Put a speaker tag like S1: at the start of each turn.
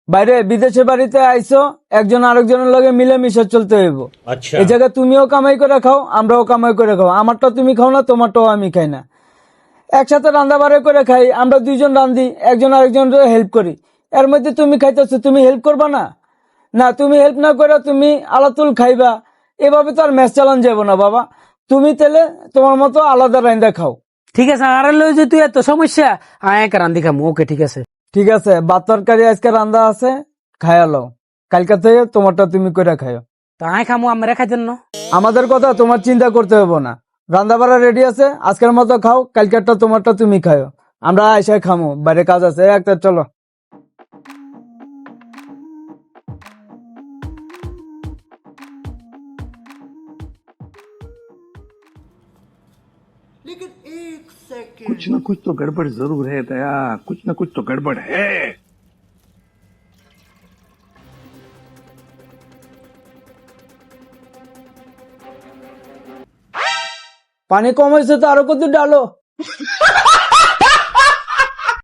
S1: বাইরে বিদেশে বাড়িতে আইছো, একজন আরেকজনের লগে মিলেমিশে চলতে হইব।
S2: अच्छा
S1: এই জায়গায় তুমিও কামাই করে খাও, আমরাও কামাই করে খাও। আমারটা তুমি খাও না, তোমারটাও আমি খাই না। একসাথে রান্না বাড়া করে খাই, আমরা দুইজন রান্ধি, একজন আরেকজনের হেল্প করি। এর মধ্যে তুমি খাইতেছো, তুমি হেল্প করবা না? না, তুমি হেল্প না করে তুমি আলাতুল খাইবা, এভাবে তো আর ম্যাচ চালান যাবো না বাবা। তুমি তেলে তোমার মতো আলাদা রান্দা খাও।
S3: ঠিক আছে, আর লই যে তুই এত সমস্যা, আয় এক রান্ধি খামু। ওকে ঠিক আছে।
S1: ঠিক আছে, ভাত তরকারি আজকে রান্দা আছে, খায়ালো। কালকা থেকে তোমারটা তুমি করে খাইও।
S3: তা আয় খামু, আমরা খাইতেন না।
S1: আমাদের কথা তোমার চিন্তা করতে হবে না। রান্না বাড়া রেডি আছে, আজকের মতো খাও, কালকেরটা তোমারটা তুমি খাও। আমরা এসে খামো, বাইরে কাজ আছে। একটা চলো।
S4: कुछ ना कुछ तो गड़बड़ जरूर है दया, कुछ ना कुछ तो गड़बड़ है।
S1: পানি কম হয়েছে তো আরো কত ডালো।